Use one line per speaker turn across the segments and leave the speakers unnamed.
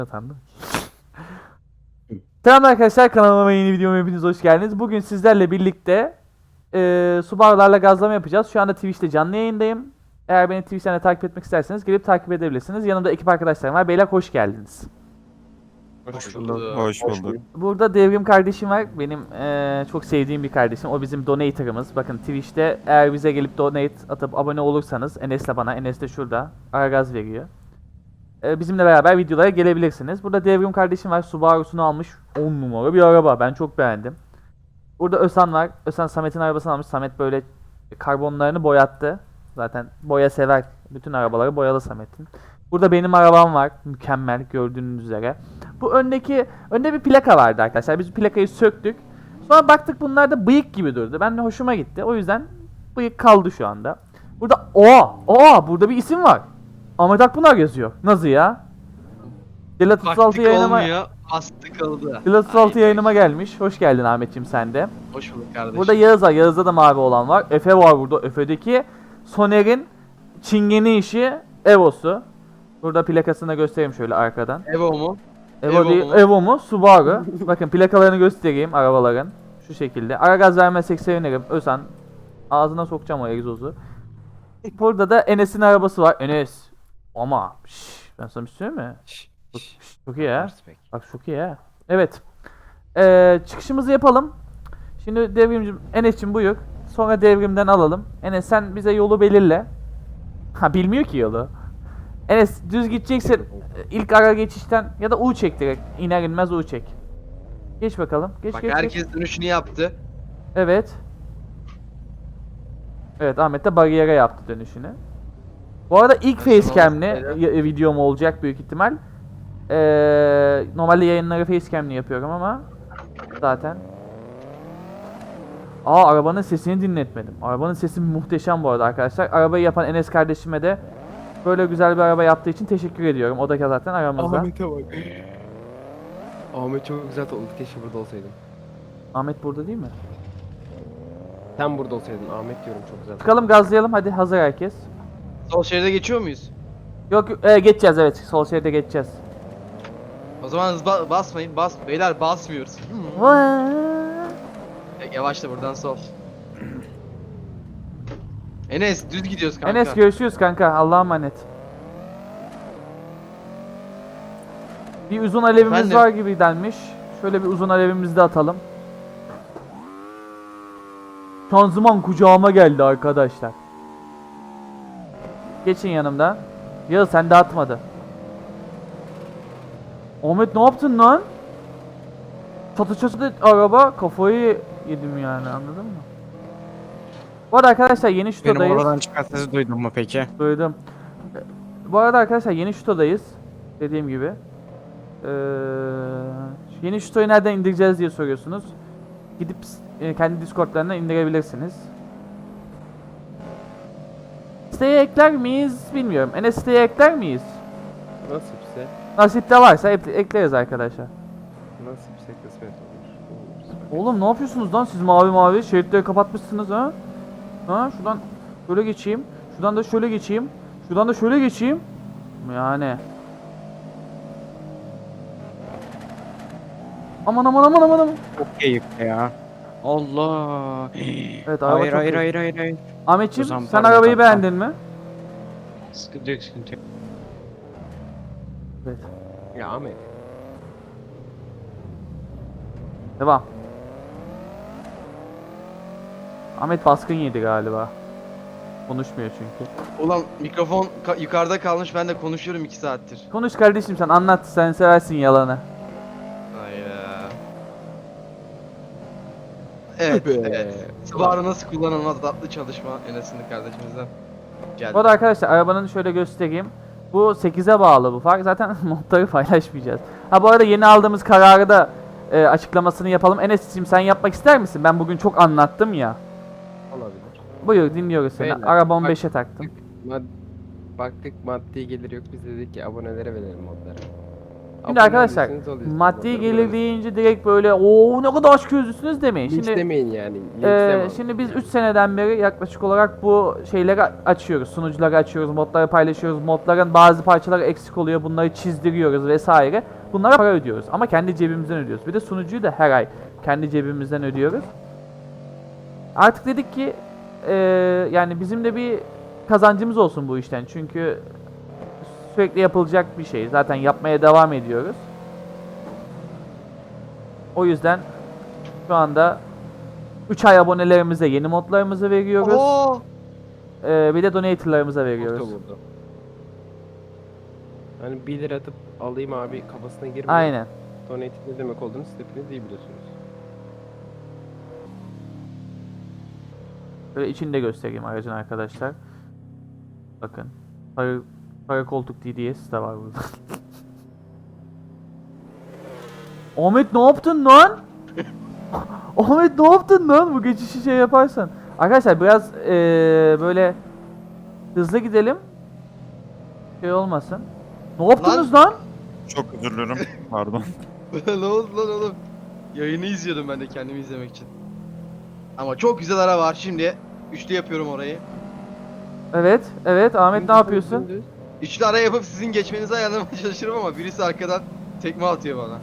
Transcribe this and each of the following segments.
Efendim. Selam arkadaşlar, kanalıma yeni videoma hepiniz hoş geldiniz. Bugün sizlerle birlikte Subaru'larla gazlama yapacağız. Şu anda Twitch'te canlı yayındayım. Eğer beni Twitch'ten de takip etmek isterseniz gelip takip edebilirsiniz. Yanımda ekip arkadaşlarım var. Beyler hoş geldiniz.
Hoş bulduk.
Hoş bulduk.
Burada Devrim kardeşim var. Benim çok sevdiğim bir kardeşim. O bizim donator'ımız. Bakın Twitch'te eğer bize gelip donate atıp abone olursanız Enes'le bana, Enes de şurada Aragaz veriyor. Bizimle beraber videolara gelebilirsiniz. Burada Devrim kardeşim var. Subaru'sunu almış. 10 numara bir araba. Ben çok beğendim. Burada Ösan var. Ösan Samet'in arabasını almış. Samet böyle karbonlarını boyattı. Zaten boya sever. Bütün arabaları boyalı Samet'in. Burada benim arabam var. Mükemmel gördüğünüz üzere. Bu önde bir plaka vardı arkadaşlar. Biz plakayı söktük. Sonra baktık bunlar da bıyık gibi durdu. Ben de hoşuma gitti. O yüzden bıyık kaldı şu anda. Burada burada bir isim var. Ahmet Akpınar yazıyor. Nasıl ya? Dilat 36
Baktık
yayınıma
olmuyor, bastık oldu.
Dilat 36
Aynen.
yayınıma gelmiş. Hoş geldin Ahmetciğim sen de.
Hoş bulduk kardeşim.
Burada Yağız var. Yağız'da da mavi olan var. Efe var burada. Efe'deki Soner'in çingeni işi Evo'su. Burada plakasını da göstereyim şöyle arkadan.
Evo mu?
Evo
Evo
değil,
mu?
Evo mu? Subaru. Bakın plakalarını göstereyim arabaların. Şu şekilde. Ara gaz vermezsek sevinirim. Özen. Ağzına sokacağım o egzozu. Burada da Enes'in arabası var. Enes. Ama ben sana bir şey söyleyeyim mi? Çok iyi ya. Bak çok iyi ya. Evet. Çıkışımızı yapalım. Şimdi devrimcim Enes'cim buyur. Sonra devrimden alalım. Enes sen bize yolu belirle. Ha bilmiyor ki yolu. Enes düz gideceksin. İlk ara geçişten ya da U çek direkt. İner inmez U çek. Geç bakalım. Geç
Bak
geç
herkes
geç.
dönüşünü yaptı.
Evet. Evet Ahmet de bariyere yaptı dönüşünü. Bu arada ilk facecam'li videom olacak büyük ihtimal. Normalde yayınları facecam'li yapıyorum ama zaten. Arabanın sesini dinletmedim. Arabanın sesi muhteşem bu arada arkadaşlar. Arabayı yapan Enes kardeşime de böyle güzel bir araba yaptığı için teşekkür ediyorum. O da zaten aramızda.
Ahmet'e bak. Ahmet çok güzel oldu. Keşke burada olsaydın.
Ahmet burada değil mi?
Sen burada olsaydın. Ahmet diyorum çok güzel.
Çıkalım gazlayalım hadi hazır herkes.
Sol şeride geçiyor muyuz?
Yok geçeceğiz evet sol şeride geçeceğiz.
O zaman hız basmayın. Beyler basmıyoruz. Yavaşla buradan sol. Enes düz gidiyoruz kanka.
Enes görüşürüz kanka Allah'a emanet. Bir uzun alevimiz
Efendim?
var gibi denmiş. Şöyle bir uzun alevimizi de atalım. Şanzıman kucağıma geldi arkadaşlar. Geçin yanımdan. Ya sen de atmadı. Ahmet ne yaptın lan? Çatı çatı araba kafayı yedim yani anladın mı? Bu arada arkadaşlar yeni
Benim
şutodayız.
oradan çıkan sesi duydun mu peki?
Duydum. Bu arada arkadaşlar yeni şutodayız. Dediğim gibi. Yeni şutoyu nereden indireceğiz diye soruyorsunuz. Gidip kendi Discord'larından indirebilirsiniz. Siteye ekler miyiz bilmiyorum. Enes siteye ekler miyiz?
Nasipse.
Nasipte varsa ekleriz arkadaşlar.
Nasipse kısmet olur.
Oğlum ne yapıyorsunuz lan siz mavi mavi şeritleri kapatmışsınız ha? Ha şuradan şöyle geçeyim. Şuradan da şöyle geçeyim. Şuradan da şöyle geçeyim. Yani. Aman aman aman aman aman.
Çok keyifli ya. Allah.
Evet araba
Hayır
çok
hayır
iyi.
hayır hayır hayır.
Ahmetciğim
Ozan,
sen
pardon,
arabayı
tamam.
beğendin mi?
Sıkıntı yok sıkıntı yok.
Evet.
Ya Ahmet.
Devam. Ahmet baskın yedi galiba. Konuşmuyor çünkü.
Ulan mikrofon yukarıda kalmış, ben de konuşuyorum 2 saattir.
Konuş kardeşim sen anlat sen seversin yalanı.
Hayda. Evet,
Be.
evet. Subaru nasıl kullanılmaz tatlı çalışma Enes'in kardeşimizden. Geldi.
Bu arada arkadaşlar arabanın şöyle göstereyim. Bu 8'e bağlı bu fark. Zaten modları paylaşmayacağız. Ha bu arada yeni aldığımız kararı da açıklamasını yapalım. Enes'ciğim sen yapmak ister misin? Ben bugün çok anlattım ya.
Olabilir.
Buyur dinliyoruz seni.
Beyler,
Arabamı
bak-
5'e taktım.
Baktık maddi gelir yok. Biz dedik ki abonelere verelim modları.
Şimdi arkadaşlar
olursanız oluyorsunuz.
maddi
Onları
gelir
bırakın.
deyince direkt böyle o ne kadar açgözlüsünüz demeyin.
Linç
Şimdi
demeyin yani. linçleme abi.
şimdi biz 3 seneden beri yaklaşık olarak bu şeyleri açıyoruz. Sunucuları açıyoruz, modları paylaşıyoruz. Modların bazı parçaları eksik oluyor. Bunları çizdiriyoruz vesaire. Bunlara para ödüyoruz ama kendi cebimizden ödüyoruz. Bir de sunucuyu da her ay kendi cebimizden ödüyoruz. Artık dedik ki yani bizim de bir kazancımız olsun bu işten. Çünkü sürekli yapılacak bir şey. Zaten yapmaya devam ediyoruz. O yüzden şu anda 3 ay abonelerimize yeni modlarımızı veriyoruz.
Oo!
Bir de donatorlarımıza veriyoruz.
Orta vurdu. Hani 1 lira atıp alayım abi kafasına girmeyin.
Aynen.
Donate ne demek olduğunu siz hepiniz iyi biliyorsunuz.
Böyle içini de göstereyim aracın arkadaşlar. Bakın. Para koltuk DDS de var burada. Ahmet ne yaptın lan? Ahmet ne yaptın lan? Bu geçişi şey yaparsan. Arkadaşlar biraz böyle hızlı gidelim. Şey olmasın. Ne yaptınız lan?
Çok özür dilerim. Pardon.
Ne oldu lan oğlum? Yayını izliyordum ben de kendimi izlemek için. Ama çok güzel ara var şimdi. Üçlü yapıyorum orayı.
Evet, evet. Ahmet ne yapıyorsun?
Dümdüz.
Üçlü ara yapıp sizin geçmenizi ayarlamaya çalışırım ama birisi arkadan tekme atıyor bana.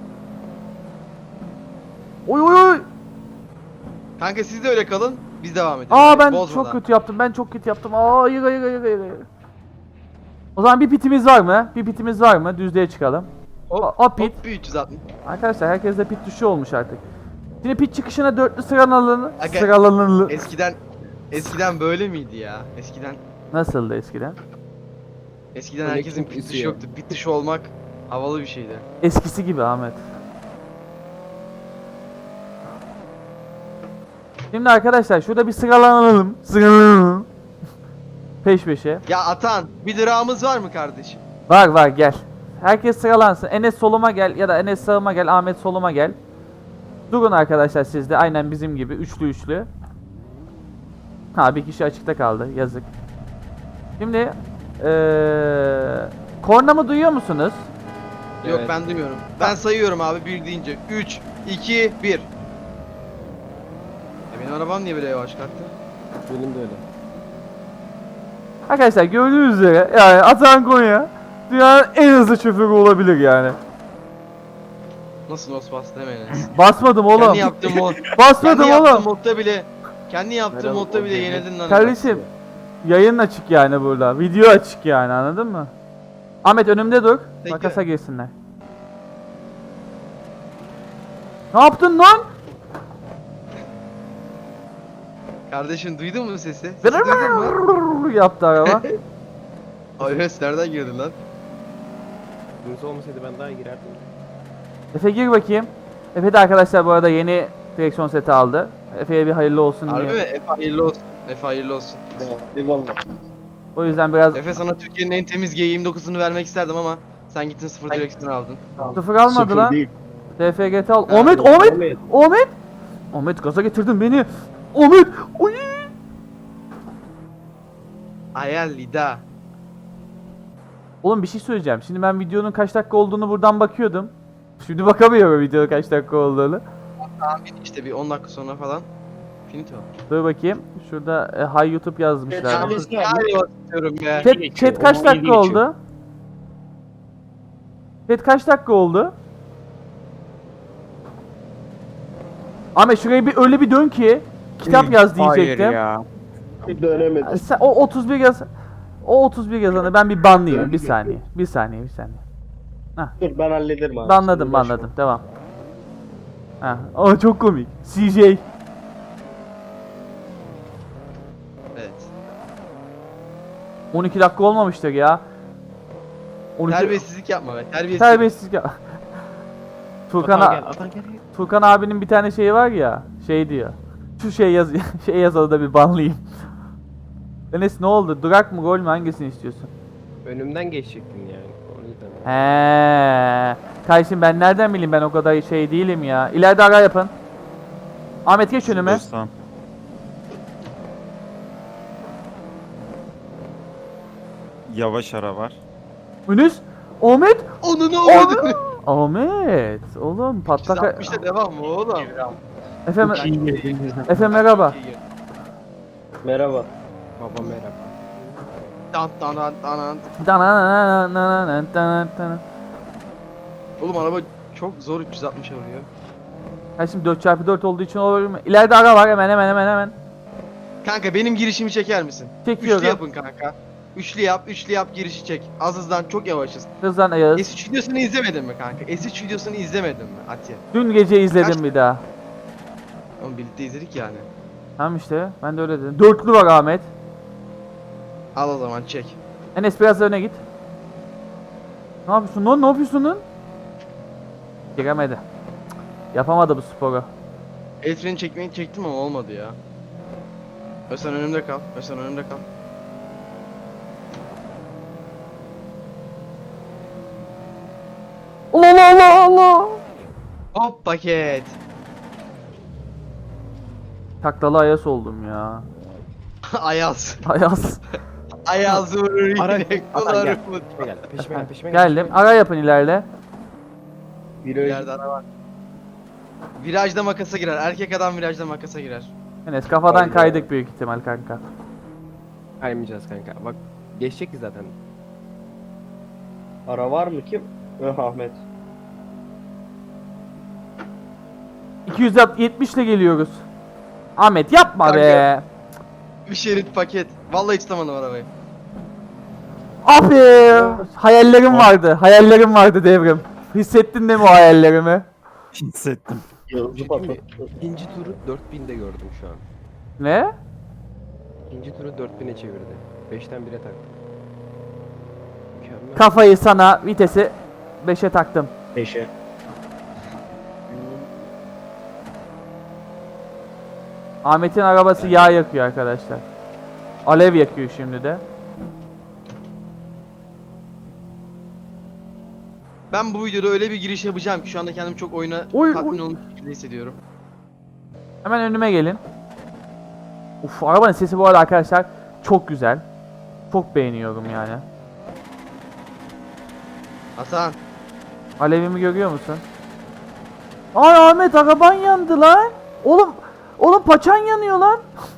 Oy oy oy.
Kanka siz de öyle kalın. Biz devam edelim.
Aa ben
Bozmadan.
çok kötü yaptım. Ben çok kötü yaptım. Aa hayır hayır hayır hayır. hayır. O zaman bir pitimiz var mı? Bir pitimiz var mı? Düzlüğe çıkalım. O pit.
Hop bir 360.
Arkadaşlar herkeste pit tuşu olmuş artık. Şimdi pit çıkışına dörtlü sıralanın.
Aga-
Sıralanın.
Eskiden böyle miydi ya?
Nasıldı eskiden?
Eskiden
Öyle
herkesin
çok
pit dışı
üzüyor.
yoktu. Pit dışı olmak havalı bir şeydi.
Eskisi gibi Ahmet. Şimdi arkadaşlar şurada bir sıralanalım. Sıralanalım. Peş peşe.
Ya Atan, bir lirağımız var mı kardeşim?
Var var gel. Herkes sıralansın. Enes soluma gel ya da Enes sağıma gel, Ahmet soluma gel. Durun arkadaşlar siz de aynen bizim gibi üçlü üçlü. Ha bir kişi açıkta kaldı yazık. Şimdi kornamı duyuyor musunuz?
Yok
Evet.
ben duymuyorum. Ben sayıyorum abi bir deyince. 3, 2, 1. Benim arabam niye böyle yavaş kalktı?
Benim de öyle.
Arkadaşlar gördüğünüz üzere yani Atan Konya dünyanın en hızlı şoförü olabilir yani.
Nasıl nos bastı hemen Enes.
Basmadım oğlum.
Kendi yaptığım mod.
Basmadım
Kendi yaptığım
oğlum.
modda bile. Kendi yaptığım
Merhaba,
modda bile
o
yenildin lan.
Kardeşim yayın açık yani burada. Video açık yani anladın mı? Ahmet önümde dur.
Peki.
Makasa girsinler. Ne yaptın lan?
Kardeşim duydun mu sesi? Sesi duydun mu?
Yaptı araba.
Ay Enes nereden girdin lan?
Dümdüz olmasaydı ben daha girerdim.
Efe gir bakayım. Efe de arkadaşlar bu arada yeni direksiyon seti aldı. Efe'ye bir hayırlı olsun
Harbi mi?
diye.
Efe hayırlı olsun. Efe hayırlı olsun.
O yüzden biraz
Efe sana Türkiye'nin en temiz G29'unu vermek isterdim ama sen gittin sıfır direksiyon aldın.
sıfır almadı lan. DFGT al.
Ha,
Ahmet, Ahmet, Ahmet. Ahmet gaza getirdin beni. Ahmet. Oy.
Ayal Lida.
Oğlum bir şey söyleyeceğim. Şimdi ben videonun kaç dakika olduğunu buradan bakıyordum. Şimdi bakamıyorum videonun kaç dakika olduğunu.
Tahmin işte bir 10 dakika sonra falan. Finito.
Dur bakayım. Şurada Hi YouTube yazmışlar.
Galiba istiyorum ya.
Chat kaç dakika oldu? Chat kaç dakika oldu? Ahmet şurayı bir öyle bir dön ki kitap yaz diyecektim.
Hayır ya.
Sen o 31 yaz. O 31 yazanı ben bir banlayayım. Bir saniye. Bir saniye, bir saniye.
Dur ben hallederim abi.
Banladım,
Şimdi
banladım. Devam. Ha. Aa çok komik. CJ.
Evet.
12 dakika olmamıştır ya. 12
Terbiyesizlik yapma be. Terbiyesizlik.
Terbiyesizlik ya. Turkan,
Atan gel, Atan gel.
Turkan abinin bir tane şeyi var ya. Şey diyor. Şu şey yaz şey yazılı da bir banlayayım. Enes ne oldu? Durak mı gol mü hangisini istiyorsun?
Önümden geçecektin yani. O yüzden.
He. Kardeşim ben nereden bileyim ben o kadar şey değilim ya. İleride ara yapın. Ahmet geç önüme.
Tamam. Yavaş ara var.
Ünüz. Ahmet!
Onu ne oldu?
Ahmet! Oğlum patlak...
360'da devam mı oğlum?
Efe,
Çok iyi girdiniz.
Efe merhaba.
Merhaba.
Baba merhaba.
Tan tan tan tan.
Danananananananananana.
Oğlum araba çok zor 360 vuruyor.
Ha şimdi 4x4 olduğu için olabilir mi? İleride ara var hemen.
Kanka benim girişimi çeker misin?
Çekiyorum.
Üçlü yapın kanka. Üçlü yap girişi çek. Az hızdan çok yavaşız.
Hızlan Ayaz.
S3 videosunu izlemedin mi kanka? S3 videosunu izlemedin mi Atiye?
Dün gece izledim
Kaç-
bir daha.
Oğlum birlikte izledik yani.
Tamam işte ben de öyle dedim. Dörtlü var Ahmet.
Al o zaman çek.
Enes biraz öne git. Ne yapıyorsun lan? Ne yapıyorsun lan? Giremedi. Cık, yapamadı bu sporu.
El freni çekmeyi çektim ama olmadı ya. Özcan önümde kal. Özcan önümde kal.
Allah.
Hop paket.
Taklalı Ayaz oldum ya.
Ayaz.
Ayaz.
Ayaz vurur
Ara-
yine
Ara-
kolarım.
Peşime gel. Peşime gel.
Geldim. Ara yapın ileride.
Bir yerde ara var. Virajda makasa girer. Erkek adam virajda makasa girer.
Enes kafadan
Hayda.
kaydık büyük ihtimal kanka.
Kaymayacağız kanka. Bak geçecek ki zaten.
Ara var mı kim? Ahmet.
270 ile geliyoruz. Ahmet yapma
Kanka.
be.
Bir şerit paket. Vallahi tutamadım arabayı.
Abi hayallerim vardı devrim. Hissettin değil mi o hayallerimi?
Hissettim.
Yıldızı
Şimdi
patlattı.
ikinci turu 4000'de gördüm şu an.
Ne?
İkinci turu 4000'e çevirdi. 5'ten 1'e taktı. Mükemmel.
Kafayı sana vitesi 5'e taktım.
5'e.
Ahmet'in arabası yağ yakıyor arkadaşlar. Alev yakıyor şimdi de.
Ben bu videoda öyle bir giriş yapacağım ki şu anda kendimi çok oyuna
Oy,
tatmin
oy.
olmuş gibi hissediyorum.
Hemen önüme gelin. Uf arabanın sesi bu arada arkadaşlar çok güzel. Çok beğeniyorum yani.
Hasan.
Alevimi görüyor musun? Ay Ahmet araban yandı lan. Oğlum paçan yanıyor lan.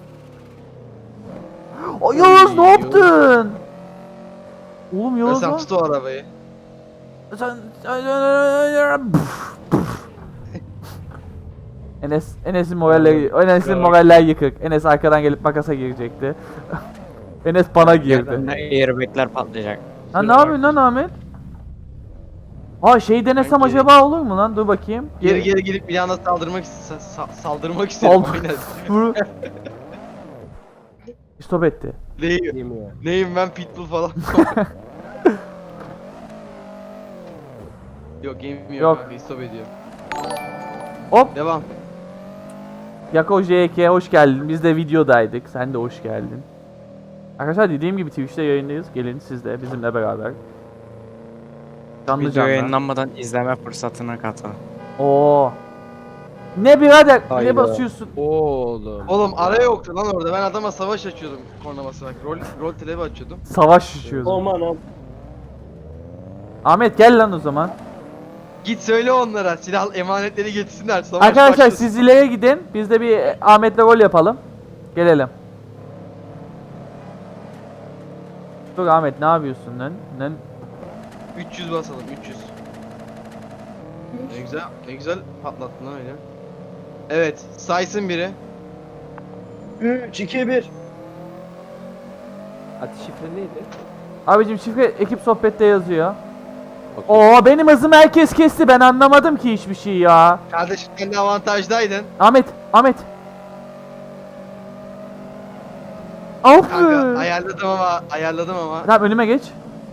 Ay Yavuz ne yaptın? Oğlum Yavuz
Hasan
lan.
tut o arabayı.
Sen Enes'in moraller yıkık. Enes arkadan gelip makasa girecekti. Enes bana girdi.
Airbag'ler patlayacak.
Ha ne yapıyorsun lan Ahmet? Aa şey denesem
Ben geri-
acaba olur mu lan? Dur bakayım.
Geri gidip bir anda saldırmak istedim
Sal-
aynen.
Vur. Stop etti.
Neyim,
Değil mi ya?
neyim ben pitbull falan. Yok game yok.
Yok.
Kanka, stop ediyorum.
Hop.
Devam.
Yako JK hoş geldin. Biz de videodaydık. Sen de hoş geldin. Arkadaşlar dediğim gibi Twitch'te yayındayız. Gelin siz de bizimle beraber. Canlı
Video
canlı.
yayınlanmadan izleme fırsatına katıl.
Oo. Ne birader? Ne
Hayda.
basıyorsun?
Oğlum.
Oğlum ara yoktu lan orada. Ben adama savaş açıyordum korna basarak. Rol telebi açıyordum.
Savaş düşüyoruz.
Aman am.
Ahmet gel lan o zaman.
Git söyle onlara silah emanetleri getirsinler. Savaş
Arkadaşlar
başlasın.
siz ileriye gidin. Biz de bir Ahmet'le rol yapalım. Gelelim. Dur Ahmet ne yapıyorsun lan?
300 basalım 300. Ne güzel patlattın lan öyle. Evet saysın biri.
3, 2, 1.
Atış şifre neydi?
Abicim şifre ekip sohbette yazıyor.
Okey.
Oo benim hızımı herkes kesti. Ben anlamadım ki hiçbir şey ya.
Kardeşim sen de avantajdaydın.
Ahmet. Of.
Kanka ayarladım ama.
Tamam önüme geç.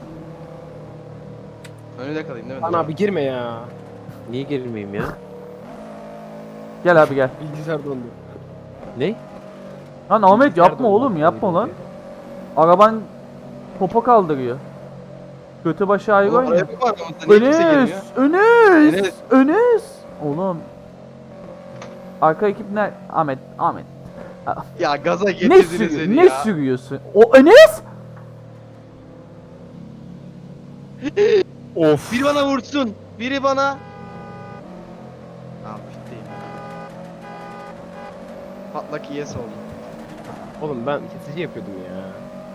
Önünde kalayım değil mi?
Lan abi girme ya. Niye girmeyeyim ya?
Gel abi gel.
Bilgisayar dondu. Ne?
Lan Ahmet
Bilgisayar
yapma
dondu.
oğlum yapma lan. Araban popo kaldırıyor. Götü başı ayrı
Oğlum
oynuyor.
araya mı var aramızda? Niye kimse girmiyor?
Enes. Oğlum. Arka ekip ne? Ahmet.
Ya gaza
Ne,
getirdiniz beni
ne
ya.
sürüyorsun? O Enes?
Of.
Biri bana vursun. Biri bana. Tamam bittiyim. Patlak yes oldu.
Oğlum ben kesici yapıyordum ya.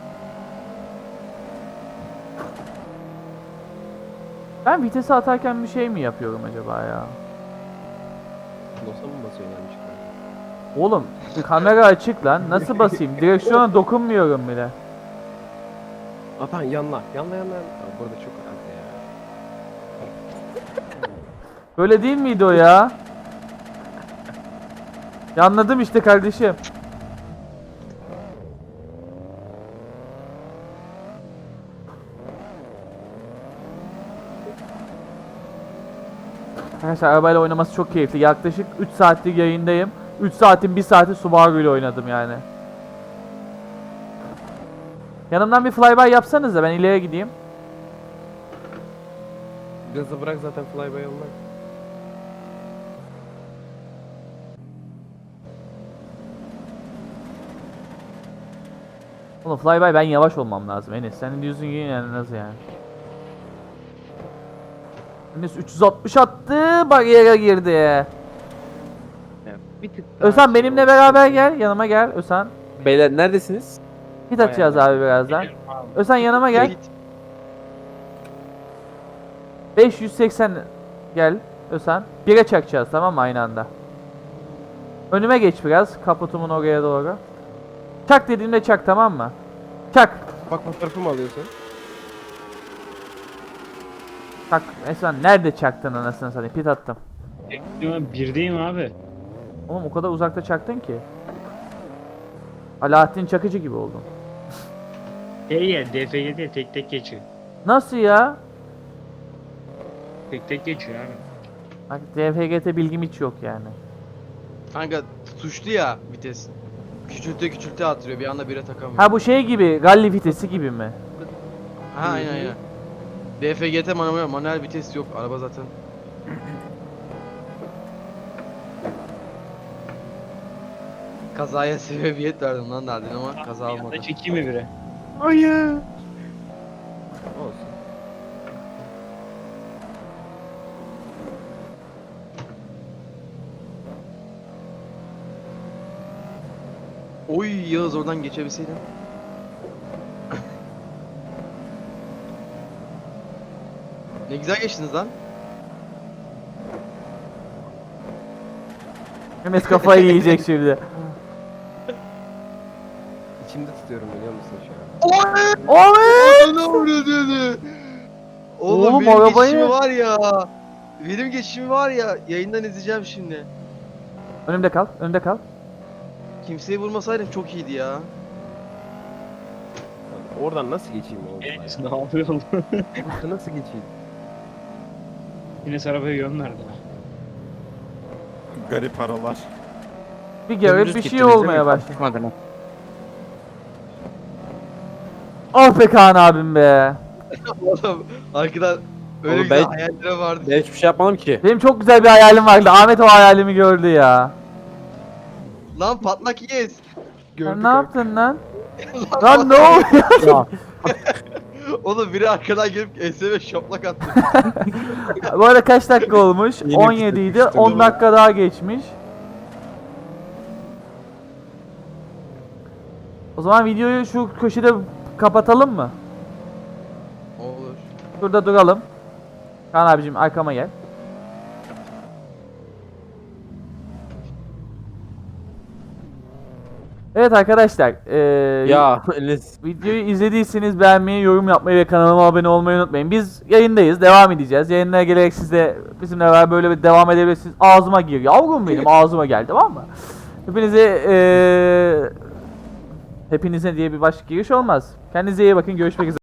Ben vitesi atarken bir şey mi yapıyorum acaba ya?
Dosa mı basıyorsun yanlışlıkla?
Oğlum kamera açık lan. Nasıl basayım? Direksiyona dokunmuyorum bile.
Atan yanla. Yanla. Aa, burada çok önemli ya.
Böyle değil miydi o ya? Ya anladım işte kardeşim. Arkadaşlar arabayla oynaması çok keyifli. Yaklaşık 3 saatlik yayındayım. 3 saatin 1 saati Subaru ile oynadım yani. Yanımdan bir flyby yapsanız da ben ileriye gideyim.
Gazı bırak zaten flyby olmaz.
Oğlum flyby ben yavaş olmam lazım Enes. Senin diyorsun ki yani nasıl yani? Enes 360 attı, bariyere girdi.
Ya, bir tık daha
Özhan
şey
benimle
oldu.
beraber gel, yanıma gel Özhan.
Beyler neredesiniz?
Hit atacağız abi birazdan. Özhan yanıma gel.
Git.
580 gel Özhan. 1'e çakacağız tamam mı aynı anda. Önüme geç biraz, kaputumun oraya doğru. Çak dediğimde çak tamam mı? Çak.
Bak fotoğrafı mı alıyorsun?
Çak. Özhan nerede çaktın anasını satayım? Pit attım.
Birdeyim abi.
Oğlum o kadar uzakta çaktın ki. Alaaddin Çakıcı gibi oldun.
Ya DFG'de tek tek geçiyor.
Nasıl ya?
Tek tek geçiyor abi.
Bak DFGT bilgim hiç yok yani.
Kanka tuşlu ya vites. Küçülte attırıyor. Bir anda bire takamıyor.
Ha bu şey gibi, rally vitesi gibi mi?
Ha aynen. DFGT manuel vites yok. Araba zaten. Kazaya sebebiyet verdim lan derdin ama kaza olmadı.
Da çekeyim mi bire?
Olsun.
Oy Yağız oradan geçebilseydin. Ne güzel geçtiniz lan.
Enes kafayı yiyecek şimdi.
İçimde tutuyorum biliyor musun şu an?
Oy!
Ne oluyor dedi.
Oğlum,
Oğlum benim
arabayı-
geçişimi var ya. Benim geçişimi var ya. Yayından izleyeceğim şimdi.
Önümde kal, önümde kal.
Kimseyi vurmasaydım çok iyiydi ya.
Oradan nasıl geçeyim oğlum?
Enes ne yapıyorsun?
Oradan nasıl geçeyim?
Enes arabaya yön verdi.
Garip aralar.
Bir garip
Dümdüz
bir şey
gittiniz değil
olmaya
mi?
başladı.
Çıkmadınız.
Ah be Kaan abim be.
Oğlum arkadan öyle
Oğlum
güzel
ben-
hayallere vardı.
Ben hiçbir şey yapmadım ki.
Benim çok güzel bir hayalim vardı. Ahmet o hayalimi gördü ya.
Lan patlak yes.
Sen ne yaptın lan? Lan ne oluyor?
Ya,
Oğlum biri arkadan gelip ESV şaplak attı.
Bu arada kaç dakika olmuş?
Yeni
17 idi.
bitirmiştim
10
bunu.
dakika daha geçmiş. O zaman videoyu şu köşede kapatalım mı?
Olur.
Şurada duralım. Kaan abicim arkama gel. Evet arkadaşlar,
ya Enes.
videoyu izlediyseniz beğenmeyi, yorum yapmayı ve kanalıma abone olmayı unutmayın. Biz yayındayız, devam edeceğiz. Yayınlara gelerek siz de bizimle beraber böyle bir devam edebilirsiniz. Ağzıma gir, yavrum benim ağzıma geldi tamam mı? Hepinize diye bir başka giriş olmaz. Kendinize iyi bakın, görüşmek üzere.